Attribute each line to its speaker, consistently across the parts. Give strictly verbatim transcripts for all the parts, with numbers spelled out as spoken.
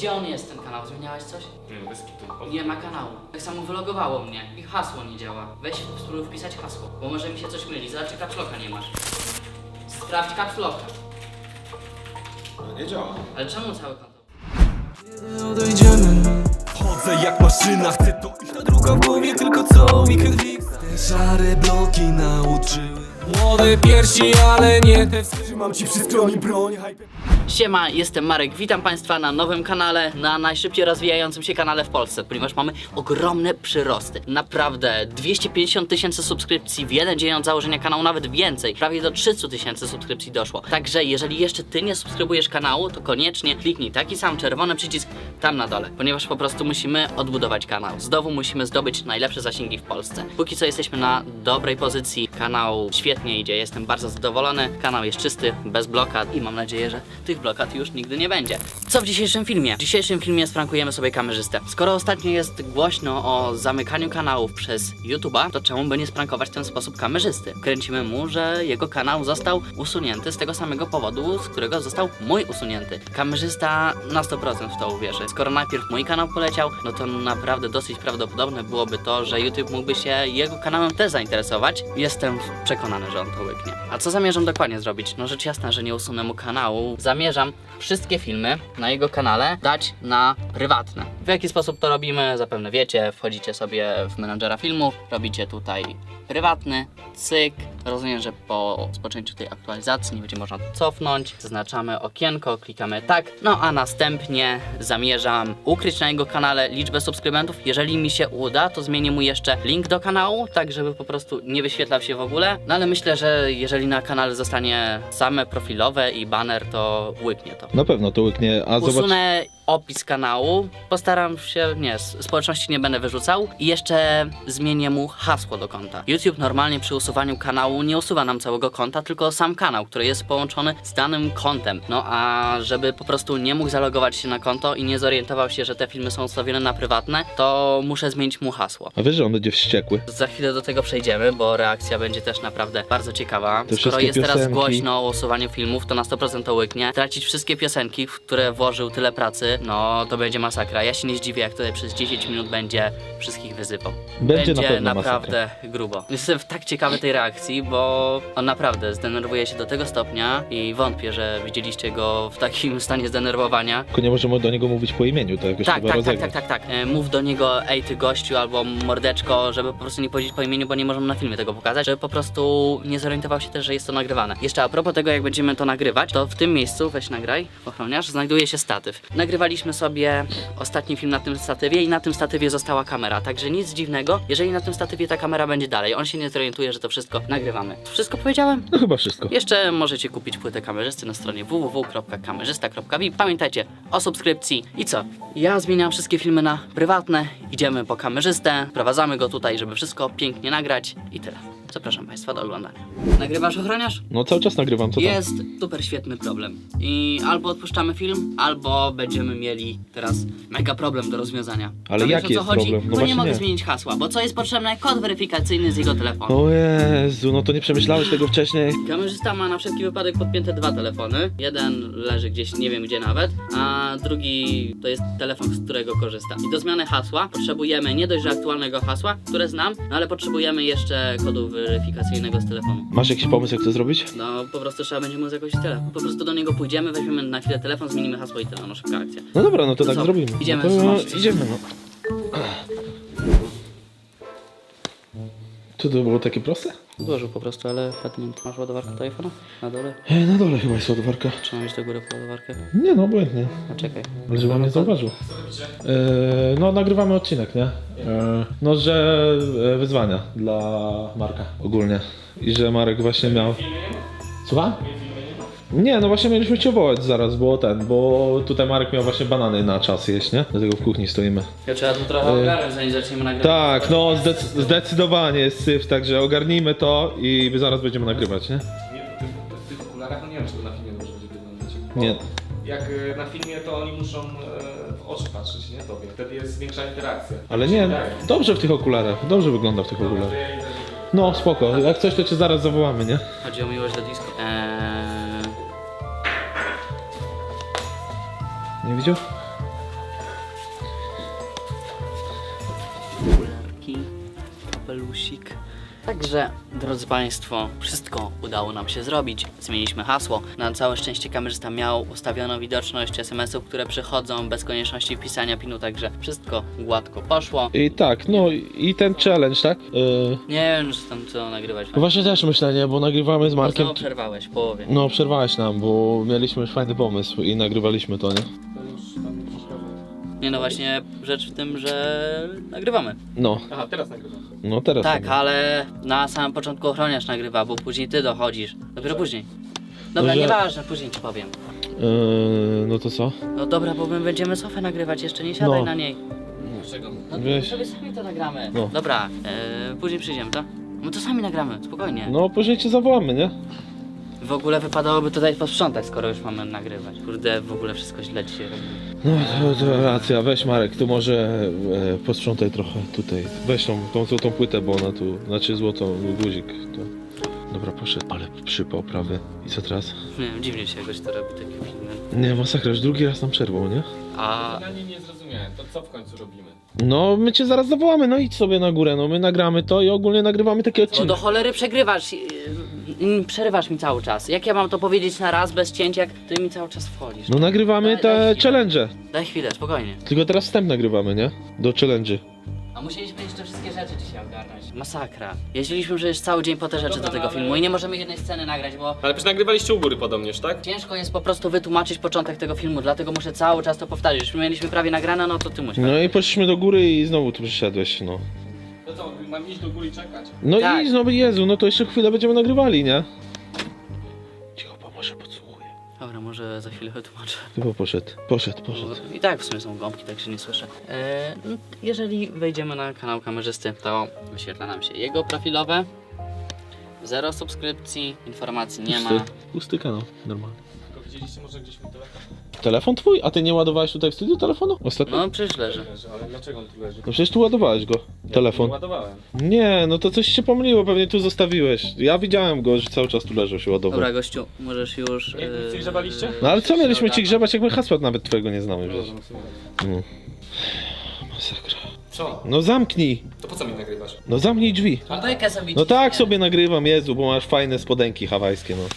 Speaker 1: Gdzie on jest, ten kanał? Zmieniałeś coś?
Speaker 2: Nie no, bez kitu.
Speaker 1: Nie ma kanału. Tak samo wylogowało mnie i hasło nie działa. Weź spróbuj wpisać hasło, bo może mi się coś myli. Zobacz, czy caps locka nie masz. Sprawdź caps locka.
Speaker 3: No nie działa.
Speaker 1: Ale czemu cały konto?
Speaker 4: Odejdziemy. Chodzę jak maszyna, chcę to iść. Ta druga w głowie, tylko co mi krwi. Te szare bloki nauczyły. Młode piersi, ale nie te. Trzymam ci przy stronie broń.
Speaker 1: Siema, jestem Marek, witam Państwa na nowym kanale, na najszybciej rozwijającym się kanale w Polsce, ponieważ mamy ogromne przyrosty. Naprawdę, dwieście pięćdziesiąt tysięcy subskrypcji w jeden dzień od założenia kanału, nawet więcej, prawie do trzystu tysięcy subskrypcji doszło. Także jeżeli jeszcze Ty nie subskrybujesz kanału, to koniecznie kliknij taki sam czerwony przycisk tam na dole, ponieważ po prostu musimy odbudować kanał. Znowu musimy zdobyć najlepsze zasięgi w Polsce. Póki co jesteśmy na dobrej pozycji, kanał świetnie idzie, jestem bardzo zadowolony, kanał jest czysty, bez blokad i mam nadzieję, że tych blokad już nigdy nie będzie. Co w dzisiejszym filmie? W dzisiejszym filmie sprankujemy sobie kamerzystę. Skoro ostatnio jest głośno o zamykaniu kanałów przez YouTube'a, to czemu by nie sprankować w ten sposób kamerzysty? Kręcimy mu, że jego kanał został usunięty z tego samego powodu, z którego został mój usunięty. Kamerzysta na sto procent w to uwierzy. Skoro najpierw mój kanał poleciał, no to naprawdę dosyć prawdopodobne byłoby to, że YouTube mógłby się jego kanałem też zainteresować. Jestem przekonany, że on to łyknie. A co zamierzam dokładnie zrobić? No rzecz jasna, że nie usunę mu kanału. Zamierzam wszystkie filmy na jego kanale dać na prywatne. W jaki sposób to robimy? Zapewne wiecie, wchodzicie sobie w menadżera filmów, robicie tutaj prywatny, cyk. Rozumiem, że po rozpoczęciu tej aktualizacji nie będzie można to cofnąć. Zaznaczamy okienko, klikamy tak. No a następnie zamierzam ukryć na jego kanale liczbę subskrybentów. Jeżeli mi się uda, to zmienię mu jeszcze link do kanału, tak żeby po prostu nie wyświetlał się w ogóle. No ale myślę, że jeżeli na kanale zostanie same profilowe i banner, to łyknie to.
Speaker 3: Na pewno to łyknie, a zobacz...
Speaker 1: Usunę opis kanału, postaram się, nie, społeczności nie będę wyrzucał i jeszcze zmienię mu hasło do konta. YouTube normalnie przy usuwaniu kanału nie usuwa nam całego konta, tylko sam kanał, który jest połączony z danym kontem. No a żeby po prostu nie mógł zalogować się na konto i nie zorientował się, że te filmy są ustawione na prywatne, to muszę zmienić mu hasło.
Speaker 3: A wiesz, że on będzie wściekły?
Speaker 1: Za chwilę do tego przejdziemy, bo reakcja będzie też naprawdę bardzo ciekawa.
Speaker 3: Te
Speaker 1: Skoro jest teraz
Speaker 3: piosenki.
Speaker 1: głośno o usuwaniu filmów, to na sto procent to łyknie. Tracić wszystkie piosenki, w które włożył tyle pracy, no to będzie masakra. Ja się nie zdziwię, jak tutaj przez dziesięć minut będzie wszystkich wyzywał.
Speaker 3: Będzie na pewno
Speaker 1: naprawdę grubo. Jestem tak ciekawy tej reakcji, bo on naprawdę zdenerwuje się do tego stopnia i wątpię, że widzieliście go w takim stanie zdenerwowania.
Speaker 3: Tylko nie możemy do niego mówić po imieniu, to jakoś
Speaker 1: Tak,
Speaker 3: chyba
Speaker 1: tak, tak,
Speaker 3: rozegrać.
Speaker 1: tak, tak, tak. E, Mów do niego ej ty gościu albo mordeczko, żeby po prostu nie powiedzieć po imieniu, bo nie możemy na filmie tego pokazać, żeby po prostu nie zorientował się też, że jest to nagrywane. Jeszcze a propos tego, jak będziemy to nagrywać, to w tym miejscu, weź nagraj, ochroniarz, znajduje się statyw. Nagrywaliśmy sobie ostatni film na tym statywie i na tym statywie została kamera, także nic dziwnego, jeżeli na tym statywie ta kamera będzie dalej. On się nie zorientuje, że to wszystko nagrywamy. Wszystko powiedziałem?
Speaker 3: No chyba wszystko.
Speaker 1: Jeszcze możecie kupić płytę kamerzysty na stronie w w w kropka kamerzysta kropka v i pamiętajcie o subskrypcji. I co? Ja zmieniam wszystkie filmy na prywatne, idziemy po kamerzystę, prowadzamy go tutaj, żeby wszystko pięknie nagrać i tyle. Zapraszam Państwa do oglądania. Nagrywasz, ochroniarz?
Speaker 3: No cały czas nagrywam, co tam?
Speaker 1: Jest super świetny problem i albo odpuszczamy film, albo będziemy mieli teraz mega problem do rozwiązania.
Speaker 3: Ale
Speaker 1: A wiesz,
Speaker 3: jaki
Speaker 1: o co
Speaker 3: jest
Speaker 1: chodzi?
Speaker 3: problem? No
Speaker 1: Bo nie
Speaker 3: właśnie
Speaker 1: mogę
Speaker 3: nie.
Speaker 1: zmienić hasła, bo co jest potrzebne? Kod weryfikacyjny z jego telefonu.
Speaker 3: O Jezu, no to nie przemyślałeś tego wcześniej?
Speaker 1: Kamerzysta ma na wszelki wypadek podpięte dwa telefony. Jeden leży gdzieś, nie wiem gdzie nawet, a drugi to jest telefon, z którego korzysta. I do zmiany hasła potrzebujemy nie dość, że aktualnego hasła, które znam, no ale potrzebujemy jeszcze kodu weryfikacyjnego z telefonu.
Speaker 3: Masz jakiś pomysł, jak to zrobić?
Speaker 1: No po prostu trzeba będzie mu jakoś tyle. Po prostu do niego pójdziemy, weźmiemy na chwilę telefon, zmienimy hasło i tyle, no szybka akcja.
Speaker 3: No dobra, no to
Speaker 1: No
Speaker 3: tak
Speaker 1: co?
Speaker 3: zrobimy.
Speaker 1: Idziemy,
Speaker 3: no to,
Speaker 1: zobaczcie.
Speaker 3: idziemy, no. To to było takie proste?
Speaker 1: Złożył po prostu, ale padnięty. Masz ładowarkę telefonu? Na dole?
Speaker 3: E, na dole chyba jest ładowarka.
Speaker 1: Czy mam iść do góry po ładowarkę?
Speaker 3: Nie no, obojętnie.
Speaker 1: No czekaj.
Speaker 3: Ale żeby on nie zauważył. E, no nagrywamy odcinek, nie? E, no, że e, wyzwania dla Marka ogólnie. I że Marek właśnie miał... Słucham? Nie, no właśnie mieliśmy cię wołać zaraz, bo ten, bo tutaj Marek miał właśnie banany na czas jeść, nie? Dlatego w kuchni stoimy.
Speaker 1: Ja trzeba tu trochę ogarnąć, zanim zaczniemy nagrywać.
Speaker 3: Tak, no zdec- zdecydowanie jest syf, także ogarnijmy to i zaraz będziemy nagrywać, nie?
Speaker 2: Nie, to ty, w tych okularach, no nie wiem, czy to na filmie dobrze będzie wyglądać. Bo
Speaker 3: Nie.
Speaker 2: Jak y, na filmie, to oni muszą y, w oczy patrzeć, nie? Tobie. Wtedy jest większa interakcja.
Speaker 3: Ale nie,
Speaker 2: Wydaje.
Speaker 3: dobrze w tych okularach, dobrze wygląda w tych
Speaker 2: Dobra, to
Speaker 3: okularach.
Speaker 2: ja idę, żeby-
Speaker 3: No spoko, jak coś to cię zaraz zawołamy, nie?
Speaker 1: Chodzi o miłość do disco. Eee...
Speaker 3: Nie widział?
Speaker 1: kapelusik. Także, drodzy Państwo, wszystko udało nam się zrobić. Zmieniliśmy hasło. Na całe szczęście kamerzysta miał ustawioną widoczność es em esów, które przychodzą bez konieczności wpisania pinu, także wszystko gładko poszło.
Speaker 3: I tak, no i ten challenge, tak? Yy,
Speaker 1: Nie wiem, czy tam co nagrywać.
Speaker 3: właśnie też myślę, nie, bo nagrywamy z Markiem.
Speaker 1: Znowu przerwałeś w połowie.
Speaker 3: No przerwałeś nam, bo mieliśmy już fajny pomysł i nagrywaliśmy to, nie?
Speaker 2: To już tam nie przeszkadza.
Speaker 1: Nie no właśnie, rzecz w tym, że nagrywamy.
Speaker 3: No,
Speaker 2: Aha, teraz nagrywam.
Speaker 3: no teraz.
Speaker 1: Tak,
Speaker 3: nagrywamy.
Speaker 1: ale na samym początku ochroniarz nagrywa, bo później ty dochodzisz. Dopiero później. Dobra,
Speaker 3: że-
Speaker 1: nieważne, później ci powiem.
Speaker 3: Yy, no to co?
Speaker 1: No dobra, bo my będziemy sofę nagrywać, jeszcze nie siadaj
Speaker 3: No.
Speaker 1: na niej.
Speaker 2: Dlaczego?
Speaker 1: No to
Speaker 3: Weź.
Speaker 1: sobie sami to nagramy.
Speaker 3: No.
Speaker 1: Dobra, e, później przyjdziemy, to? No to sami nagramy, spokojnie.
Speaker 3: No później cię zawołamy, nie?
Speaker 1: W ogóle wypadałoby tutaj posprzątać, skoro już mamy nagrywać. Kurde, w ogóle wszystko źle dzisiaj robi.
Speaker 3: No to, to racja, weź Marek, tu może e, posprzątaj trochę tutaj. Weź tą, tą złotą płytę, bo ona tu, znaczy złotą guzik. To. Dobra, poszedł, ale przypał prawy. I co teraz?
Speaker 1: Nie wiem, dziwnie się jakoś to robi takie filmy.
Speaker 3: Nie, masakra, już drugi raz nam przerwał, nie?
Speaker 1: A
Speaker 2: Na nie nie zrozumiałem. To co w końcu robimy?
Speaker 3: No, my cię zaraz zawołamy, no idź sobie na górę, no my nagramy to i ogólnie nagrywamy takie
Speaker 1: no
Speaker 3: odcinki.
Speaker 1: do cholery przegrywasz, yy, yy, przerywasz mi cały czas. Jak ja mam to powiedzieć na raz, bez cięć, jak ty mi cały czas wchodzisz?
Speaker 3: No nagrywamy
Speaker 1: Daj- daj
Speaker 3: te
Speaker 1: chwilę.
Speaker 3: challenge.
Speaker 1: Daj chwilę, spokojnie.
Speaker 3: Tylko teraz wstęp nagrywamy, nie? Do challenge.
Speaker 1: A musieliśmy jeszcze wszystkie rzeczy dzisiaj ogarnąć. Masakra. Jeździliśmy przecież cały dzień po te rzeczy
Speaker 2: Dobra,
Speaker 1: do tego
Speaker 2: ale-
Speaker 1: filmu i nie możemy jednej sceny nagrać, bo
Speaker 2: Ale przecież nagrywaliście u góry podobnież, tak?
Speaker 1: ciężko jest po prostu wytłumaczyć początek tego filmu, dlatego muszę cały czas to powtarzać. Już mieliśmy prawie nagrane, no to ty musisz.
Speaker 3: No i poszliśmy do góry i znowu tu przyszedłeś, no.
Speaker 2: To co, mam iść do góry i czekać?
Speaker 3: No
Speaker 1: Tak.
Speaker 3: i znowu, Jezu, no to jeszcze chwilę będziemy nagrywali, nie? Cicho, bo może podsłuchuje.
Speaker 1: Dobra, może za chwilę wytłumaczę.
Speaker 3: Chyba poszedł, poszedł, poszedł.
Speaker 1: I tak w sumie są gąbki, także nie słyszę. Eee, no, jeżeli wejdziemy na kanał kamerzysty, to wyświetla nam się jego profilowe. Zero subskrypcji, informacji nie ma.
Speaker 3: Pusty, pusty kanał, normalnie.
Speaker 2: Tylko widzieliście może gdzieś mój telefon?
Speaker 3: Telefon twój? A ty nie ładowałeś tutaj w studiu telefonu? Ostatnio?
Speaker 1: No przecież leży.
Speaker 2: Leży, ale dlaczego on tu leży?
Speaker 3: No przecież tu ładowałeś go,
Speaker 2: Ja
Speaker 3: telefon.
Speaker 2: Nie ładowałem.
Speaker 3: Nie, no to coś się pomyliło, pewnie tu zostawiłeś. Ja widziałem go, że cały czas tu leżał, się ładował.
Speaker 1: Dobra gościu, możesz już...
Speaker 2: Nie, nic nie grzebaliście?
Speaker 3: No ale co mieliśmy ci
Speaker 1: ogarnąć.
Speaker 3: grzebać, jak my hasła nawet twojego nie znamy, wiesz.
Speaker 2: No, w sumie.
Speaker 3: No. Masakra.
Speaker 2: Co?
Speaker 3: No zamknij,
Speaker 2: To po co mi nagrywasz?
Speaker 3: no zamknij drzwi.
Speaker 1: No dajkę sobie
Speaker 3: No tak
Speaker 1: ciśnie.
Speaker 3: sobie nagrywam, Jezu, bo masz fajne spodenki hawajskie, no.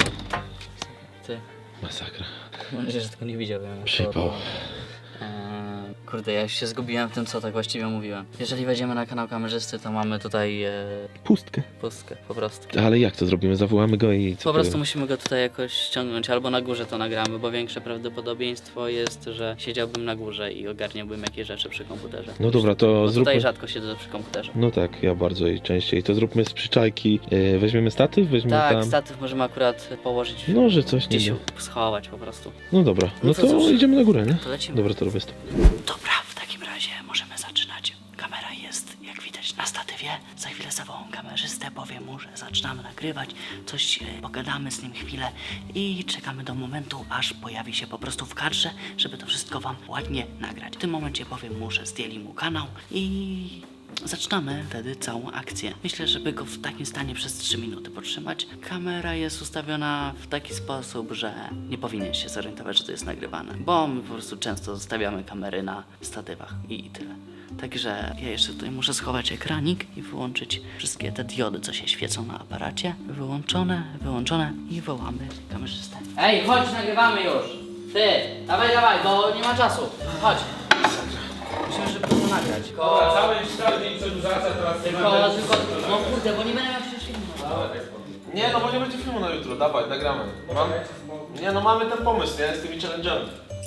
Speaker 1: Ty,
Speaker 3: Masakra.
Speaker 1: mam nadzieję, że tego nie widział. ja
Speaker 3: Przypał.
Speaker 1: to- Eee, kurde, ja już się zgubiłem w tym, co tak właściwie mówiłem. Jeżeli wejdziemy na kanał kamerzysty, to mamy tutaj e,
Speaker 3: Pustkę.
Speaker 1: pustkę, po prostu.
Speaker 3: Ale jak to zrobimy? Zawołamy go i co
Speaker 1: Po prostu
Speaker 3: powiemy?
Speaker 1: musimy go tutaj jakoś ściągnąć, albo na górze to nagramy, bo większe prawdopodobieństwo jest, że siedziałbym na górze i ogarniałbym jakieś rzeczy przy komputerze.
Speaker 3: No dobra, to
Speaker 1: Bo
Speaker 3: zróbmy...
Speaker 1: tutaj rzadko siedzę przy komputerze.
Speaker 3: No tak, ja bardzo i częściej. To zróbmy z przyczajki. Yy, weźmiemy statyw, weźmiemy
Speaker 1: Tak,
Speaker 3: tam...
Speaker 1: statyw możemy akurat położyć,
Speaker 3: No, że coś nie
Speaker 1: gdzieś
Speaker 3: da.
Speaker 1: schować po prostu.
Speaker 3: No dobra,
Speaker 1: No
Speaker 3: no
Speaker 1: to
Speaker 3: to
Speaker 1: cóż.
Speaker 3: idziemy na górę, nie?
Speaker 1: To lecimy.
Speaker 3: Dobra, to robię stop.
Speaker 1: Dobra, w takim razie możemy zaczynać. Kamera jest, jak widać, na statywie. Za chwilę zawołam kamerzystę, powiem mu, że zaczynamy nagrywać. Coś e, pogadamy z nim chwilę i czekamy do momentu, aż pojawi się po prostu w kadrze, żeby to wszystko wam ładnie nagrać. W tym momencie powiem mu, że zdjęli mu kanał i zaczynamy wtedy całą akcję. Myślę, żeby go w takim stanie przez trzy minuty podtrzymać. Kamera jest ustawiona w taki sposób, że nie powinien się zorientować, że to jest nagrywane, bo my po prostu często zostawiamy kamery na statywach i, i tyle. Także ja jeszcze tutaj muszę schować ekranik i wyłączyć wszystkie te diody, co się świecą na aparacie. Wyłączone, wyłączone i wołamy kamerzystę. Ej, chodź, nagrywamy już! Ty, dawaj, dawaj, bo nie ma czasu. Chodź. Musimy szybko to nagrać. Tylko,
Speaker 2: Cały, cały dzień przedłużacie, teraz nie
Speaker 1: tylko, tylko, no kurde, bo nie będę miał przecież filmu.
Speaker 3: Nie, no bo nie będzie filmu na jutro, dawaj, nagramy. Mam... Nie, no mamy ten pomysł, nie? Z tymi challenge'ami.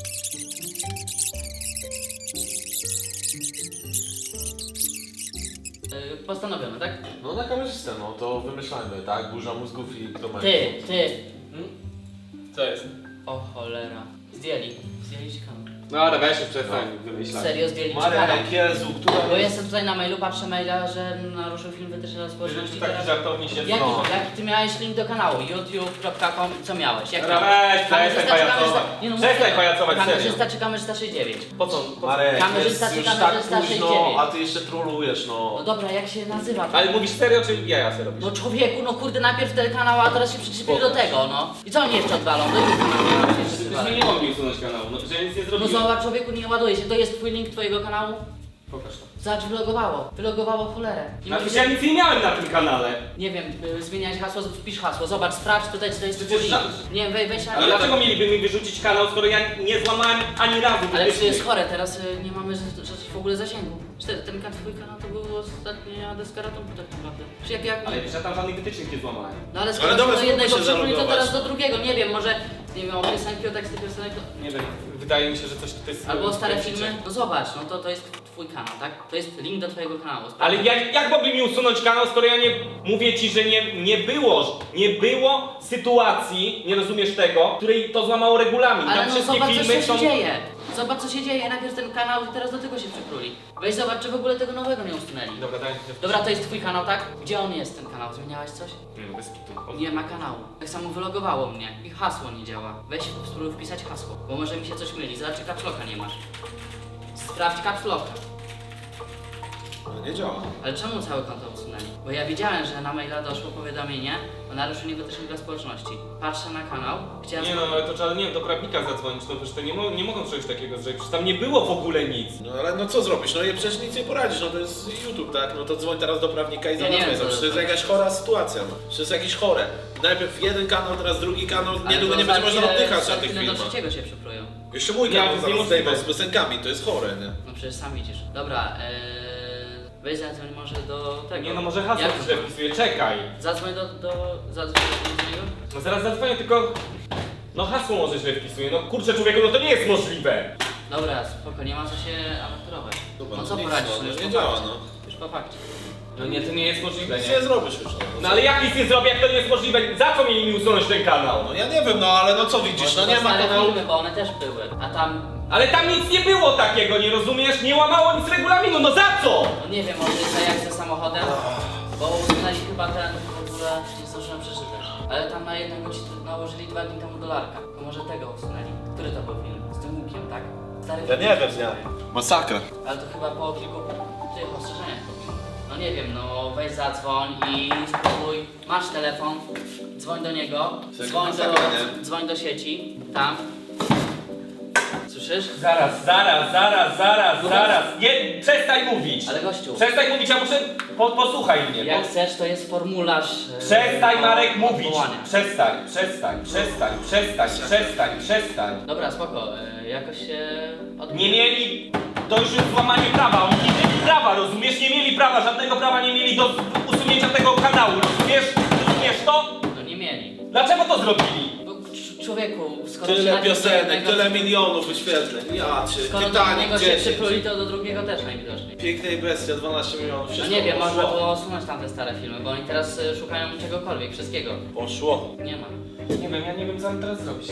Speaker 1: Yy, postanowione, tak?
Speaker 3: No na kamerzystę, no to wymyślajmy, tak? Burza mózgów i kto ma.
Speaker 1: Ty, ty.
Speaker 2: Co jest?
Speaker 1: O cholera. Zdjęli. Zdjęli ci kanał.
Speaker 2: No ale weź się przestań wymyślać.
Speaker 1: Serio, zdjęli ci kanał.
Speaker 3: Marek, Jezu, która...
Speaker 1: Bo jestem tutaj na mailu, patrzę maila, że naruszył film wytyczne dla społeczności.
Speaker 2: Taki
Speaker 1: Teraz...
Speaker 2: żartowni się
Speaker 1: Jaki,
Speaker 3: No.
Speaker 1: jaki ty miałeś link do kanału? youtube kropka com, co miałeś? Jak
Speaker 2: Dobra,
Speaker 1: miałeś?
Speaker 2: weź,
Speaker 1: Kamerzysta
Speaker 2: przestań
Speaker 1: czy
Speaker 2: pajacować.
Speaker 1: kamerzysta- Nie no,
Speaker 2: Przestań
Speaker 1: mówię,
Speaker 2: pajacować, serio.
Speaker 1: Kamerzysta czy kamerzysta sześćdziesiąt dziewięć?
Speaker 2: Po co? Po co?
Speaker 3: Marek,
Speaker 1: Kamerzysta
Speaker 3: jest
Speaker 1: czy
Speaker 3: już tak
Speaker 1: kamerzysta
Speaker 3: późno,
Speaker 1: sześćdziesiąt dziewięć?
Speaker 3: a ty jeszcze trolujesz, no.
Speaker 1: No dobra, jak się nazywa? to?
Speaker 2: Ale mówisz serio, czy jaja se robisz?
Speaker 1: No człowieku, no kurde, najpierw ten kanał, a teraz się przyczepili do tego, no. I co oni jeszcze odwalą? No,
Speaker 2: Myśmy nie mogli usunąć kanału, no że ja nic nie
Speaker 1: no
Speaker 2: zrobiłem.
Speaker 1: zobacz, człowieku, nie ładuje się. To jest twój link twojego kanału?
Speaker 2: Pokaż to.
Speaker 1: Zobacz, wylogowało. Wylogowało cholerę. Nie,
Speaker 2: No
Speaker 1: możesz-
Speaker 2: przecież ja nic nie miałem na tym kanale.
Speaker 1: nie wiem, y, zmieniać hasło, wpisz hasło. Zobacz, sprawdź tutaj, czy to jest
Speaker 2: Przecież
Speaker 1: twój
Speaker 2: za-
Speaker 1: link. Nie wiem, wej, weź na
Speaker 2: Ale dlaczego mieliby mi wyrzucić kanał, skoro ja nie złamałem ani razu
Speaker 1: Ale
Speaker 2: wytycznych?
Speaker 1: to jest chore, teraz y, nie mamy że, że w ogóle zasięgu. Cztery, ten kan- twój kanał to był ostatnia deskaratomu tak naprawdę. Czy jak, jak...
Speaker 2: Ale przecież ja tam żadnych wytycznych nie złamałem.
Speaker 1: No ale skoro
Speaker 5: Ale dobra,
Speaker 1: do
Speaker 5: spróbuj
Speaker 1: jednego
Speaker 5: się
Speaker 1: przepłynie, to
Speaker 5: zalogować.
Speaker 1: teraz do drugiego. Nie wiem, może nie wiem, o piosenki, o teksty piosenek, to...
Speaker 2: Nie wiem, wydaje mi się, że coś tutaj jest...
Speaker 1: Albo o stare filmy. No zobacz, no to, to jest twój kanał, tak? To jest link do twojego kanału.
Speaker 2: Ale jak, jak mogli mi usunąć kanał, skoro ja nie mówię ci, że nie, nie było, nie było sytuacji, nie rozumiesz tego, w której to złamało regulamin.
Speaker 1: Ale
Speaker 2: Tam
Speaker 1: no
Speaker 2: wszystkie
Speaker 1: zobacz, co
Speaker 2: filmy
Speaker 1: się
Speaker 2: są...
Speaker 1: dzieje. Zobacz, co się dzieje. Najpierw ten kanał, teraz do tego się przykruli. Weź zobacz, czy w ogóle tego nowego nie usunęli.
Speaker 2: Dobra, daj.
Speaker 1: Dobra, to jest twój kanał, tak? Gdzie on jest, ten kanał? Zmieniałeś coś?
Speaker 2: Nie, no bez kitu.
Speaker 1: Nie ma kanału. Tak samo wylogowało mnie. I hasło nie działa. Weź spróbuj wpisać hasło, bo może mi się coś myli. Zobacz, czy caps locka nie masz. Sprawdź caps locka.
Speaker 5: No nie działa.
Speaker 1: Ale czemu całe konto usunęli? Bo ja widziałem, że na maila doszło powiadomienie o naruszeniu wytycznych dla społeczności. Patrzę na kanał, chciałem...
Speaker 2: Nie no, ale to trzeba, nie wiem, do prawnika zadzwonić, no przecież to nie, mo nie mogą czegoś takiego zrobić, przecież tam nie było w ogóle nic.
Speaker 5: No ale no co zrobisz? No i przecież nic nie poradzisz, no to jest YouTube, tak? No to dzwoń teraz do prawnika i
Speaker 1: Ja nie wiem,
Speaker 5: załatwiaj.
Speaker 1: co
Speaker 5: No, przecież to jest
Speaker 1: zrobić.
Speaker 5: jakaś chora sytuacja, no. Przecież to jest jakieś chore. Najpierw jeden kanał, teraz drugi kanał,
Speaker 1: Ale
Speaker 5: niedługo
Speaker 1: to
Speaker 5: nie będzie
Speaker 1: za
Speaker 5: można
Speaker 1: chwilę-
Speaker 5: oddychać
Speaker 1: za
Speaker 5: na tych
Speaker 1: chwilę do
Speaker 5: filmach.
Speaker 1: trzeciego się przyplują.
Speaker 5: Jeszcze mój
Speaker 2: Nie,
Speaker 5: kanał
Speaker 2: to jest
Speaker 5: zaraz
Speaker 2: niemożliwe.
Speaker 5: zdejmą z piosenkami, to jest chore, nie?
Speaker 1: No przecież sam widzisz. Dobra, ee, weź zadzwoń może do tego.
Speaker 2: Nie no, może hasło
Speaker 1: Jak-
Speaker 2: źle wpisuję, czekaj.
Speaker 1: Zadzwoń do, do, zadzwoń do niego.
Speaker 2: No zaraz zadzwonię, tylko... No hasło może źle wpisuję, no kurczę człowieku, no to nie jest możliwe.
Speaker 1: Dobra, spoko, nie ma co się awanturować.
Speaker 5: Dobra,
Speaker 1: No co
Speaker 5: nic,
Speaker 1: poradzisz?
Speaker 5: no,
Speaker 1: już
Speaker 5: nie
Speaker 1: po
Speaker 5: działa,
Speaker 1: fakcie.
Speaker 5: no.
Speaker 1: Już po fakcie.
Speaker 2: No nie, to nie jest możliwe,
Speaker 5: Nic
Speaker 2: nie?
Speaker 5: nie zrobisz już, no.
Speaker 2: No ale jak nic nie zrobię, jak to nie jest możliwe? Za co mieli mi usunąć ten kanał?
Speaker 5: No ja nie wiem, no ale no co widzisz, no
Speaker 1: Może
Speaker 5: nie
Speaker 1: to
Speaker 5: ma
Speaker 1: stare
Speaker 5: kanału.
Speaker 1: filmy, bo one też były. A tam,
Speaker 2: Ale tam nic nie było takiego, nie rozumiesz? Nie łamało nic regulaminu, no za co?
Speaker 1: no nie wiem, może jest jak ze samochodem, bo usunęli chyba ten w ogóle, nie zdążyłem przeczytać. Ale tam na jednego ci nałożyli dwa dni temu dolarka. To może tego usunęli. Który to był film? Z tym łukiem, tak? Stary
Speaker 5: Ja
Speaker 1: film.
Speaker 5: nie wiem, nie. Masakra.
Speaker 1: Ale to chyba po kilku tych ostrzeżeniach powinno. No nie wiem, no weź zadzwoń i spróbuj. Masz telefon, dzwoń do niego, dzwoń do,
Speaker 5: masakra, nie?
Speaker 1: dzwoń do sieci, tam. Słyszysz?
Speaker 2: Zaraz, zaraz, zaraz, zaraz, zaraz. Nie, przestań mówić.
Speaker 1: Ale gościu,
Speaker 2: Przestań mówić, ja muszę... Po, posłuchaj mnie.
Speaker 1: jak
Speaker 2: Po,
Speaker 1: chcesz, to jest formularz. e,
Speaker 2: przestań
Speaker 1: do
Speaker 2: Marek mówić.
Speaker 1: odwołania.
Speaker 2: Przestań, przestań, przestań, przestań, przestań, przestań.
Speaker 1: Dobra, spoko, e, jakoś się od...
Speaker 2: Nie mieli... To już jest złamanie prawa, oni nie mieli prawa, rozumiesz? Nie mieli prawa, żadnego prawa nie mieli do usunięcia tego kanału, rozumiesz? Rozumiesz to?
Speaker 1: No nie mieli.
Speaker 2: Dlaczego to zrobili?
Speaker 1: Bo cz- człowieku, skoro się
Speaker 5: Tyle
Speaker 1: najpierw do
Speaker 5: piosenek,
Speaker 1: jednego-
Speaker 5: tyle milionów wyświetleń. Ja cię,
Speaker 1: Skoro do
Speaker 5: Titanic
Speaker 1: jednego się
Speaker 5: dziesięć.
Speaker 1: przypluli, to do drugiego też najwidoczniej.
Speaker 5: Piękna i bestia, dwanaście milionów,
Speaker 1: No
Speaker 5: wszystko
Speaker 1: nie wiem, można
Speaker 5: poszło.
Speaker 1: było usunąć tamte stare filmy, bo oni teraz e, szukają czegokolwiek, wszystkiego.
Speaker 5: Poszło.
Speaker 1: Nie ma.
Speaker 2: Nie wiem, ja nie wiem co mam teraz zrobić.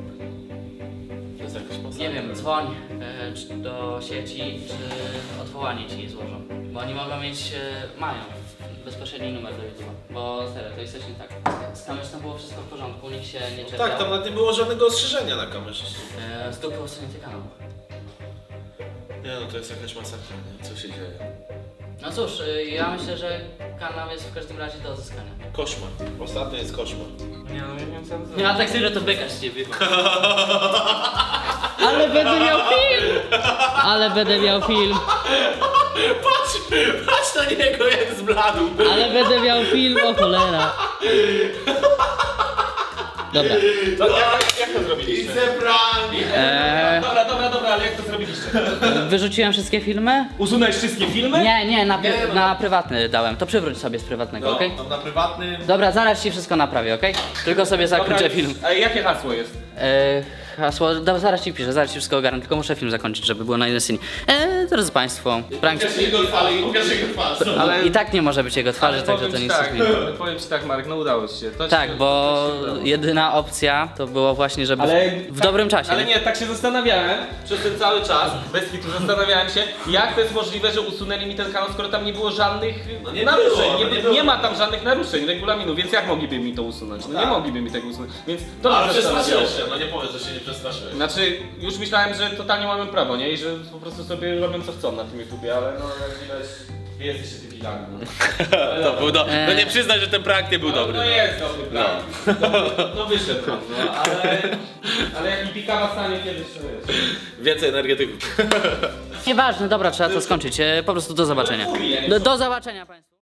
Speaker 5: To jest jakaś masakra.
Speaker 1: Nie wiem, dzwoń e, czy do sieci, czy odwołanie ci złożą. Bo oni mogą mieć, e, mają bezpośredni numer do YouTube'a. Bo serio, to jest coś nie tak. Z kamerzą było wszystko w porządku, nikt się nie czepiał.
Speaker 5: Tak, tam nawet nie było żadnego ostrzeżenia na kamerze.
Speaker 1: E, z dupy usunięty kanał.
Speaker 5: Nie no, to jest jakaś masakra, nie? Co się dzieje?
Speaker 1: No cóż, e, ja myślę, że kanał jest w każdym razie do odzyskania.
Speaker 5: Koszmar. Ostatnio jest koszmar.
Speaker 2: Nie no, nie wiem co mam zrobić.
Speaker 1: Nie, a tak serio to beka z ciebie. Ale będę miał film! Ale będę miał film!
Speaker 5: Patrz, patrz na niego jak zbladł.
Speaker 1: Ale będę miał film, o cholera. Dobra.
Speaker 2: To, jak, jak to zrobiliście?
Speaker 5: It's a prank.
Speaker 1: Eee,
Speaker 2: Dobra, dobra, dobra, ale jak to zrobiliście?
Speaker 1: wyrzuciłem wszystkie filmy?
Speaker 2: Usunąłeś wszystkie filmy?
Speaker 1: Nie, nie, na,
Speaker 5: Nie, no.
Speaker 1: na prywatny dałem. To przywróć sobie z prywatnego,
Speaker 5: No,
Speaker 1: okej?
Speaker 5: tam na prywatnym.
Speaker 1: Dobra, zaraz ci wszystko naprawię, okej? Tylko sobie zakończę
Speaker 2: Dobra,
Speaker 1: film.
Speaker 2: A jakie hasło jest?
Speaker 1: Eee, hasło, dobra, zaraz ci piszę, zaraz ci wszystko ogarnę, tylko muszę film zakończyć, żeby było na jednej scenie. Eee, drodzy Państwo, prank...
Speaker 5: Pokaż jego twarz, pokaż jego twarz.
Speaker 2: Ale-
Speaker 1: I tak nie może być jego twarzy, także
Speaker 2: powiem
Speaker 1: to
Speaker 2: ci
Speaker 1: nic
Speaker 2: tak,
Speaker 1: nie zmieni.
Speaker 2: powiem ci tak Marek, no udało ci się. To
Speaker 1: Tak,
Speaker 2: się,
Speaker 1: bo
Speaker 2: to się udało.
Speaker 1: jedyna opcja to było właśnie, żeby
Speaker 2: Ale
Speaker 1: w
Speaker 2: tak,
Speaker 1: dobrym czasie.
Speaker 2: Ale nie, tak się zastanawiałem przez ten cały czas, bez kitu zastanawiałem się, jak to jest możliwe, że usunęli mi ten kanał, skoro tam nie było żadnych
Speaker 5: No nie
Speaker 2: naruszeń.
Speaker 5: było,
Speaker 2: nie,
Speaker 5: no nie
Speaker 2: nie,
Speaker 5: było.
Speaker 2: ma tam żadnych naruszeń regulaminu, więc jak mogliby mi to usunąć? No nie
Speaker 5: Tak.
Speaker 2: mogliby mi tego usunąć. Więc to
Speaker 5: Ale
Speaker 2: mnie
Speaker 5: przestraszyłeś
Speaker 2: zastanawiało.
Speaker 5: się, no nie powiedz, że się nie przestraszyłeś.
Speaker 2: Znaczy, już myślałem, że totalnie mamy prawo, nie? I że po prostu sobie robią co chcą na tym YouTubie, ale no jak widać, wy jesteście debilami. No.
Speaker 5: To był do... No nie przyznaj, że ten prank nie był dobry.
Speaker 2: No, no jest dobry prank. No. No wyszedł pan, no, ale... Ale jak mi pikawa stanie kiedyś, to wiesz.
Speaker 5: Więcej energetyków.
Speaker 1: Nieważne, dobra, trzeba to skończyć. E, Po prostu do zobaczenia. Do, do zobaczenia państwu.